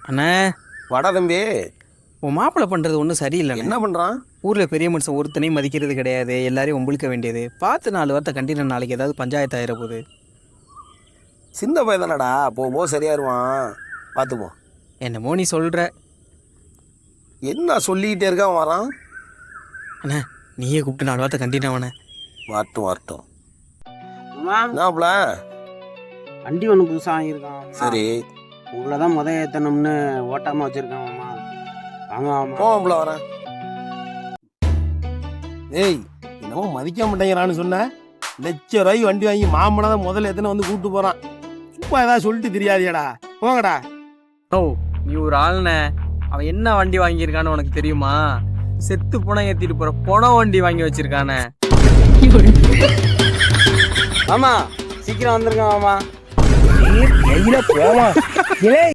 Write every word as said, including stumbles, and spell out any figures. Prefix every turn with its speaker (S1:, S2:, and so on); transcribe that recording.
S1: அண்ணே
S2: வாடா தம்பி.
S1: உன் மாப்பிள்ளை பண்ணுறது ஒன்றும் சரியில்லை.
S2: என்ன பண்ணுறான்?
S1: ஊரில் பெரிய மனுஷன் ஒருத்தனையும் மதிக்கிறது கிடையாது, எல்லாரையும் உம்பளிக்க வேண்டியது. பார்த்து நாலு வார்த்தை கண்டின நாளைக்கு ஏதாவது பஞ்சாயத்து ஆயிர போகுது.
S2: சின்ன பையன் தானடா, போகும்போது சரியாயிருவான், பார்த்துப்போம்.
S1: என்னமோ நீ சொல்கிற.
S2: என்ன சொல்லிக்கிட்டே இருக்கான் வரான்?
S1: அண்ணா நீயே கூப்பிட்டு நாலு வார்த்தை கண்டினவனே.
S2: வரட்டும் வரட்டும்.
S3: மேம்
S2: என்னாப்ல?
S3: வண்டி ஒன்று புதுசாக வாங்கியிருக்கான்.
S2: சரி
S3: உங்களை தான் முத ஏற்றணும்னு ஓட்டாமல் வச்சுருக்காங்கம்மா. வாங்க வாமா.
S2: போவாப்ல வரேன். ஏய் என்னமோ மதிக்க மாட்டேங்கிறான்னு சொன்ன. லட்ச ரூபாய்க்கு வண்டி வாங்கி மாமனை தான் முதல்ல எத்தனை வந்து கூப்பிட்டு போகிறான். சும்மா ஏதாவது சொல்லிட்டு தெரியாதியாடா, போங்கடா.
S1: ஓ நீ ஒரு ஆள்ண்ணே. அவன் என்ன வண்டி வாங்கியிருக்கான்னு உனக்கு தெரியுமா? செத்து புனை ஏற்றிட்டு போகிற புனை வண்டி வாங்கி வச்சிருக்கானே.
S3: மாமா சீக்கிரம் வந்துருங்க மாமா.
S2: போவான்.